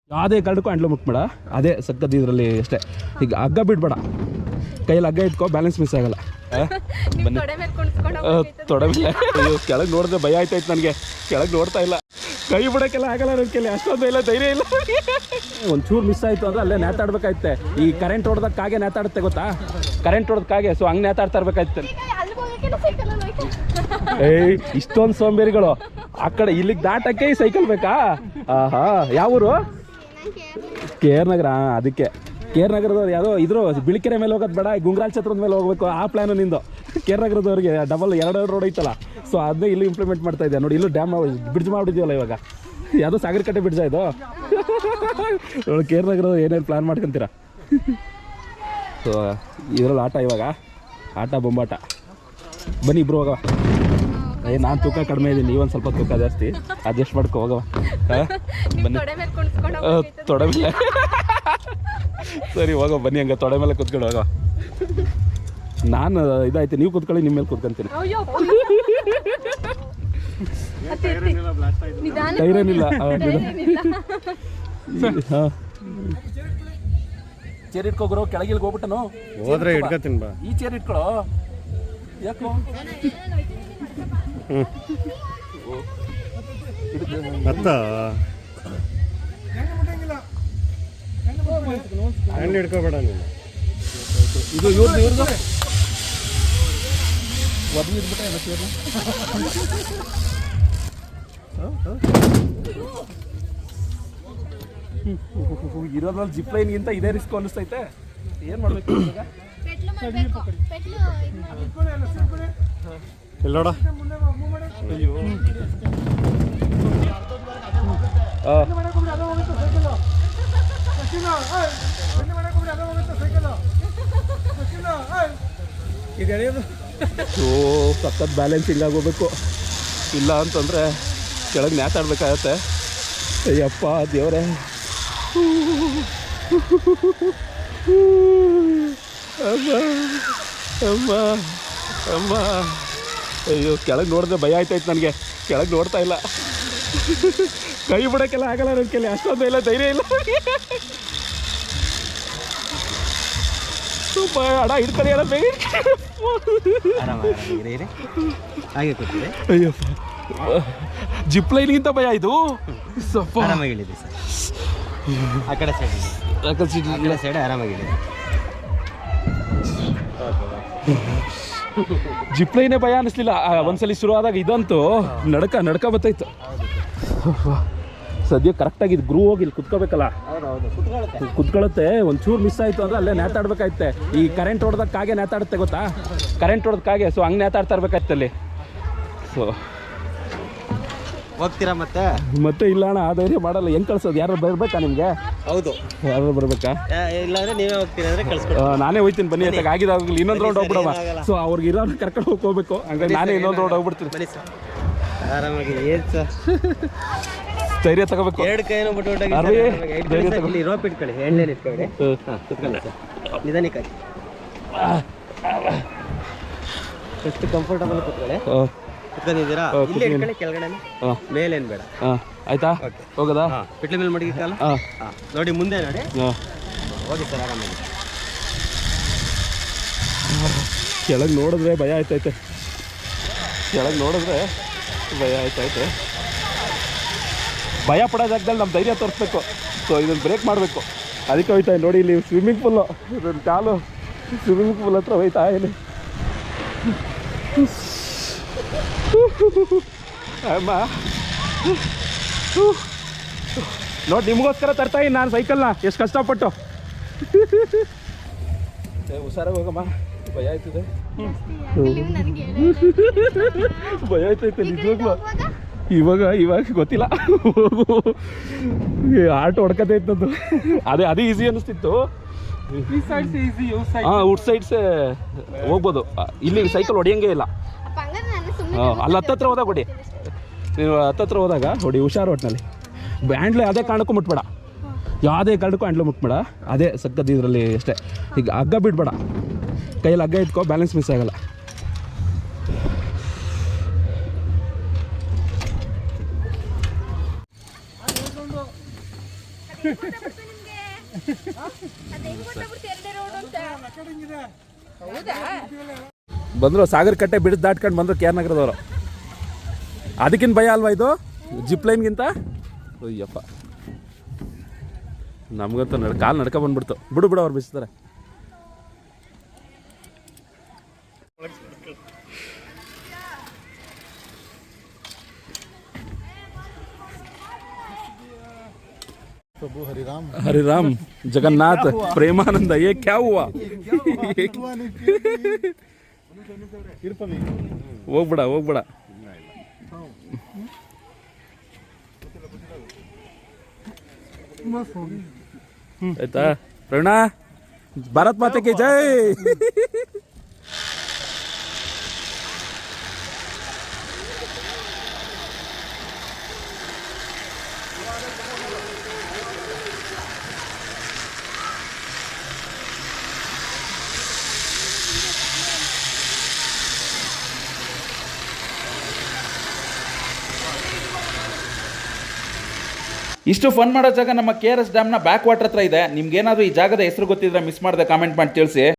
ಯಾವುದೇ ಕಾರಣಕ್ಕೂ ಹ್ಯಾಂಡ್ಲು ಮುಟ್ಬೇಡ, ಅದೇ ಸಕ್ಕದ ಇದರಲ್ಲಿ ಅಷ್ಟೇ. ಈಗ ಹಗ್ಗ ಬಿಡಬೇಡ, ಕೈಯಲ್ಲಿ ಹಗ್ಗ ಇಟ್ಕೋ, ಬ್ಯಾಲೆನ್ಸ್ ಮಿಸ್ ಆಗಲ್ಲ. ತೊಡೆ ಮೇಲೆ ಕೆಳಗೆ ನೋಡಿದ್ರೆ ಭಯ ಆಯ್ತಾಯ್ತು ನನಗೆ, ಕೆಳಗೆ ನೋಡ್ತಾ ಇಲ್ಲ, ಕೈ ಬಿಡೋಕ್ಕೆಲ್ಲ ಆಗಲ್ಲ ನನ್ನ ಕೈಲಿ, ಅಷ್ಟೊಂದು ಇಲ್ಲ, ಧೈರ್ಯ ಇಲ್ಲ. ಒಂಚೂರು ಮಿಸ್ ಆಯಿತು ಅಂದರೆ ಅಲ್ಲೇ ನೇತಾಡ್ಬೇಕಾಯ್ತೆ. ಈ ಕರೆಂಟ್ ಹೊಡೆದಕ್ಕಾಗೆ ನೇತಾಡುತ್ತೆ ಗೊತ್ತಾ, ಕರೆಂಟ್ ಹೊಡೆದಕ್ಕಾಗೆ, ಸೊ ಹಂಗೆ ನೇತಾಡ್ತಾ ಇರ್ಬೇಕಾಯ್ತು. ಏಯ್ ಇಷ್ಟೊಂದು ಸೋಂಬೇರಿಗಳು, ಆ ಕಡೆ ಇಲ್ಲಿಗೆ ದಾಟಕ್ಕೆ ಈ ಸೈಕಲ್ ಬೇಕಾ? ಆಹಾ, ಯಾವ ಊರು? ಕೇರ್ ನಗರ. ಅದಕ್ಕೆ ಕೇರ್ ನಗರದವ್ರು ಯಾವುದೋ ಇದ್ರು ಬಿಳಿಕೆರೆ ಮೇಲೆ ಹೋಗೋದು ಬೇಡ, ಗುಂಗ್ರಾಲ್ ಛತ್ರದ ಮೇಲೆ ಹೋಗ್ಬೇಕು, ಆ ಪ್ಲ್ಯಾನು ನಿಂದು. ಕೇರ್ ನಗರದವ್ರಿಗೆ ಡಬಲ್ ಎರಡು ರೋಡ್ ಐತಲ್ಲ, ಸೊ ಅದನ್ನೇ ಇಲ್ಲಿ ಇಂಪ್ಲಿಮೆಂಟ್ ಮಾಡ್ತಾ ಇದ್ದೆ ನೋಡಿ. ಇಲ್ಲೂ ಡ್ಯಾಮ್ ಬ್ರಿಡ್ಜ್ ಮಾಡಿದ್ವಲ್ಲ ಇವಾಗ, ಯಾವುದೋ ಸಾಗರಕಟ್ಟೆ ಬ್ರಿಡ್ಜ್ ಇದು ನೋಡಿ. ಕೇರ್ ನಗರದವ್ರು ಏನೇನು ಪ್ಲ್ಯಾನ್ ಮಾಡ್ಕೊಂತೀರಾ? ಸೊ ಇದರಲ್ಲಿ ಆಟ, ಇವಾಗ ಆಟ ಬೊಂಬಾಟ. ಬನ್ನಿ ಇಬ್ರು ಹೋಗವ. ನಾನು ತೂಕ ಕಡಿಮೆ ಇದ್ದೀನಿ, ನೀವೊಂದು ಸ್ವಲ್ಪ ತೂಕ ಜಾಸ್ತಿ, ಅಡ್ಜಸ್ಟ್ ಮಾಡ್ಕೊ ಹೋಗವ. ಬನ್ನಿ ತೊಡೆ ಮೇಲೆ. ಸರಿ ಹೋಗೋ ಬನ್ನಿ, ಹಂಗೆ ತೊಡೆ ಮೇಲೆ ಕುತ್ಕೊಂಡು ಹೋಗವ. ನಾನು ಇದಾಯ್ತು, ನೀವು ಕುತ್ಕೊಳ್ಳಿ, ನಿಮ್ಮ ಮೇಲೆ ಕುತ್ಕೊಂತೀನಿ. ಟೈರೇನಿಲ್ಲ. ಹಾಂ ಚೇರ್ ಇಟ್ಕೋಗ್ರು, ಕೆಳಗಿಲ್ಗೆ ಹೋಗ್ಬಿಟ್ಟನು ಹೋದ್ರೆ ಇಟ್ಕೊತೀನಿ ಬಾ. ಈ ಚೇರ್ ಇಟ್ಕೊಳ್ಳೋ, ಯಾಕೋ ಅತ್ತ ಹ್ಯಾಂಡ್ ಹಿಡ್ಕೋಬೇಡ ನೀನು. ಇದು ಇವ್ರದ್ದು ಒದಗಿದ್ಬಿಟ್ಟೆ ಎಲ್ಲ ಚೇರ್ನ. ಇರೋದ್ರಲ್ಲಿ ಜಿಪ್ ಲೈನ್ಗಿಂತ ಇದೇ ರಿಸ್ಕ್ ಅನ್ನಿಸ್ತೈತೆ. ಏನು ಮಾಡಬೇಕು ಇವಾಗ? ಇಲ್ಲೋಡ. ಅಯ್ಯೋ ಸಖತ್ ಬ್ಯಾಲೆನ್ಸ್ ಹಿಂಗಾಗೋಗ್ಬೇಕು, ಇಲ್ಲ ಅಂತಂದರೆ ಕೆಳಗೆ ನೇತಾಡ್ಬೇಕಾಗತ್ತೆ. ಅಯ್ಯಪ್ಪ ದೇವರೇ, ಅಮ್ಮ ಅಮ್ಮ ಅಮ್ಮ. ಅಯ್ಯೋ ಕೆಳಗೆ ನೋಡಿದ್ರೆ ಭಯ ಆಯ್ತಾಯ್ತು ನನಗೆ, ಕೆಳಗೆ ನೋಡ್ತಾ ಇಲ್ಲ, ಕೈ ಬಿಡೋಕ್ಕೆಲ್ಲ ಆಗಲ್ಲ ನನ್ನ ಕೈಲಿ, ಅಷ್ಟೊಂದು ಇಲ್ಲ, ಧೈರ್ಯ ಇಲ್ಲ. ಸ್ವಲ್ಪ ಹಡ ಹಿಡ್ತಾರೆ ಎಲ್ಲ ಬೇಗ. ಅಯ್ಯಪ್ಪ, ಜಿಪ್ ಲೈನ್ಗಿಂತ ಭಯ ಇದು. ಸ್ವಲ್ಪ ಆರಾಮಾಗಿಳಿದೆ ಸರ್, ಆ ಕಡೆ ಸೈಡ್ ಆರಾಮಾಗಿದೆ. ಜಿಪ್ ಲೈನೇ ಭಯ ಅನ್ನಿಸ್ಲಿಲ್ಲ ಒಂದ್ಸಲಿ ಶುರು ಆದಾಗ, ಇದಂತೂ ನಡ್ಕ ಬತ್ತಾಯ್ತು. ಸದ್ಯ ಕರೆಕ್ಟಾಗಿ ಗ್ರೂ ಹೋಗಿ ಇಲ್ಲಿ ಕುತ್ಕೋಬೇಕಲ್ಲ, ಕುತ್ಕೊಳ್ಳುತ್ತೆ. ಒಂಚೂರು ಮಿಸ್ ಆಯಿತು ಅಂದರೆ ಅಲ್ಲೇ ನೇತಾಡ್ಬೇಕಾಯ್ತೆ. ಈ ಕರೆಂಟ್ ಹೊಡೆದಕ್ಕಾಗೆ ನೇತಾಡುತ್ತೆ ಗೊತ್ತಾ, ಕರೆಂಟ್ ಹೊಡೆದಕ್ಕಾಗೆ, ಸೊ ಹಂಗೆ ನೇತಾಡ್ತಾ ಇರ್ಬೇಕಾಯ್ತು ಅಲ್ಲಿ. ಸೊ ಹೋಗ್ತೀರಾ ಮತ್ತೆ ಇಲ್ಲ ಅಣ್ಣ, ಆ ಧೈರ್ಯ ಮಾಡಲ್ಲ. ಹೆಂಗೆ ಕಳ್ಸೋದು? ಯಾರು ಬರಬೇಕಾ ನಿಮಗೆ? ಹೌದು, ಯಾರು ಬರಬೇಕಾ? ಇಲ್ಲಾಂದ್ರೆ ನೀವೇ ಹೋಗ್ತೀರಾ ಅಂದರೆ ಕಳ್ಸ್ಕೊಡಿ. ನಾನೇ ಹೋಗ್ತೀನಿ ಬನ್ನಿ, ಅಂತ ಆಗಿದಾಗಲಿ ಇನ್ನೊಂದು ರೌಂಡ್ ಹೋಗ್ಬಿಡವ. ಸೊ ಅವ್ರಿಗೆ ಇರೋರು ಕರ್ಕೊಂಡು ಹೋಗ್ಬೇಕು, ಹಂಗಾಗಿ ನಾನೇ ಇನ್ನೊಂದು ರೌಂಡ್ ಹೋಗ್ಬಿಡ್ತೀನಿ. ಬನ್ನಿ ಸರ್, ಆರಾಮಾಗಿ. ಏನು ಸರ್, ಧೈರ್ಯ ತಗೋಬೇಕು. ಎರಡು ಕೈನೂ ಬಿಟ್ಟು ಇಲ್ಲಿ ರೋಪ್ ಇಟ್ಕೊಳ್ಳಿ, ಎಣ್ಣೆಲಿ ಇಟ್ಕೊಳ್ಳಿ. ಹಾಂ ಕುತ್ಕೊಳ್ಳಿ ಸರ್, ನಿಧಾನಕ್ಕಾಗಿ ಎಷ್ಟು ಕಂಫರ್ಟಬಲ್ ಕುತ್ಕೊಳ್ಳಿ. ಕುತ್ಕೊಂಡಿದ್ದೀರಾ? ಇಲ್ಲಿ ಇಟ್ಕೊಳ್ಳಿ, ಕೆಳಗಡೆ ಮೇಲೇನು ಬೇಡ. ಆಯ್ತಾ? ಹೋಗೋದಾ? ಪಿಟ್ಲ ಮೇಲೆ ಮಡಗಿ ಕಾಲ. ಹಾಂ ನೋಡಿ, ಮುಂದೆ ನೋಡಿ. ಹೋಗಿ ಸರ್ ಆರಾಮಾಗಿ. ಕೆಳಗೆ ನೋಡಿದ್ರೆ ಭಯ ಆಯ್ತೈತೆ, ಕೆಳಗೆ ನೋಡಿದ್ರೆ ಭಯ ಆಯ್ತೈತೆ. ಭಯ ಪಡೋ ಜಾಗದಲ್ಲಿ ನಮ್ಮ ಧೈರ್ಯ ತೋರಿಸ್ಬೇಕು. ಸೊ ಇದನ್ನು ಬ್ರೇಕ್ ಮಾಡಬೇಕು, ಅದಕ್ಕೆ ಹೋಯ್ತಾ ನೋಡಿ. ಇಲ್ಲಿ ಸ್ವಿಮ್ಮಿಂಗ್ ಪೂಲು, ನನ್ನ ಕಾಲು ಸ್ವಿಮ್ಮಿಂಗ್ ಪೂಲ್ ಹತ್ರ ಹೋಯ್ತಾ ಇಲ್ಲಿ. ಅಮ್ಮ ನೋಡಿ, ನಿಮಗೋಸ್ಕರ ತರ್ತಾ ಇದ್ದೀನಿ ನಾನು ಸೈಕಲ್ನ, ಎಷ್ಟು ಕಷ್ಟಪಟ್ಟು. ಹುಷಾರಾಗಿ ಹೋಗಮ್ಮ, ಭಯ ಆಯ್ತದೆ, ಭಯ ಆಯ್ತೈತೆ ನಿಜವಾಗ್ಲೂ. ಇವಾಗ ಗೊತ್ತಿಲ್ಲ, ಆಟೋ ಹೊಡ್ಕತೈತದ್ದು. ಅದೇ ಈಸಿ ಅನ್ನಿಸ್ತಿತ್ತು. ಹಾಂ, ಔಟ್ ಸೈಡ್ಸೇ ಹೋಗ್ಬೋದು, ಇಲ್ಲಿ ಸೈಕಲ್ ಹೊಡಿಯಂಗೆ ಇಲ್ಲ. ಅಲ್ಲಿ ಹತ್ತತ್ರ ಹೋದಾಗ ಹೊಡಿ, ನೀವು ಹತ್ತತ್ರ ಹೋದಾಗ ಹೊಡಿ, ಹುಷಾರು ಒಟ್ಟಿನಲ್ಲಿ. ಹ್ಯಾಂಡ್ಲೆ ಅದೇ ಕಾರಣಕ್ಕೂ ಮುಟ್ಬೇಡ, ಯಾವುದೇ ಕಾರಣಕ್ಕೂ ಹ್ಯಾಂಡ್ಲು ಮುಟ್ಬೇಡ, ಅದೇ ಸಕ್ಕದ ಇದರಲ್ಲಿ ಅಷ್ಟೇ. ಈಗ ಹಗ್ಗ ಬಿಡಬೇಡ, ಕೈಯಲ್ಲಿ ಹಗ್ಗ ಇಟ್ಕೋ, ಬ್ಯಾಲೆನ್ಸ್ ಮಿಸ್ ಆಗಲ್ಲ. ಬಂದ್ರು ಸಾಗರ ಕಟ್ಟೆ ಬಿಡಿದ್ ದಾಟ್ಕೊಂಡು ಬಂದ್ರು ಕೆ ಆರ್ ನಗರದವರು. ಅದಕ್ಕಿಂತ ಭಯ ಅಲ್ವಾ ಇದು ಜಿಪ್ ಲೈನ್ಗಿಂತ? ಅಯ್ಯಪ್ಪ ನಮ್ಗಂತೂ ಕಾಲು ನಡ್ಕ ಬಂದ್ಬಿಡ್ತು. ಬಿಡು ಅವ್ರು ಬಿಸ್ತಾರೆ. प्रभु हरिराम हरिराम जगन्नाथ प्रेमानंद ये क्या हुआ? ಹೋಗ್ಬಿಡ ಆಯ್ತಾ ಪ್ರವೀಣ? ಭಾರತ್ ಮಾತೆ ಕಿ ಜೈ. ಇಷ್ಟು ಫನ್ ಮಾಡೋ ಜಾಗ ನಮ್ಮ KRS ಡ್ಯಾಮ್ನ ಬ್ಯಾಕ್ ವಾಟರ್ ಹತ್ರ ಇದೆ. ನಿಮ್ಗೇನಾದರೂ ಈ ಜಾಗದ ಹೆಸರು ಗೊತ್ತಿದ್ರೆ ಮಿಸ್ ಮಾಡದೆ ಕಾಮೆಂಟ್ ಮಾಡಿ ತಿಳಿಸಿ.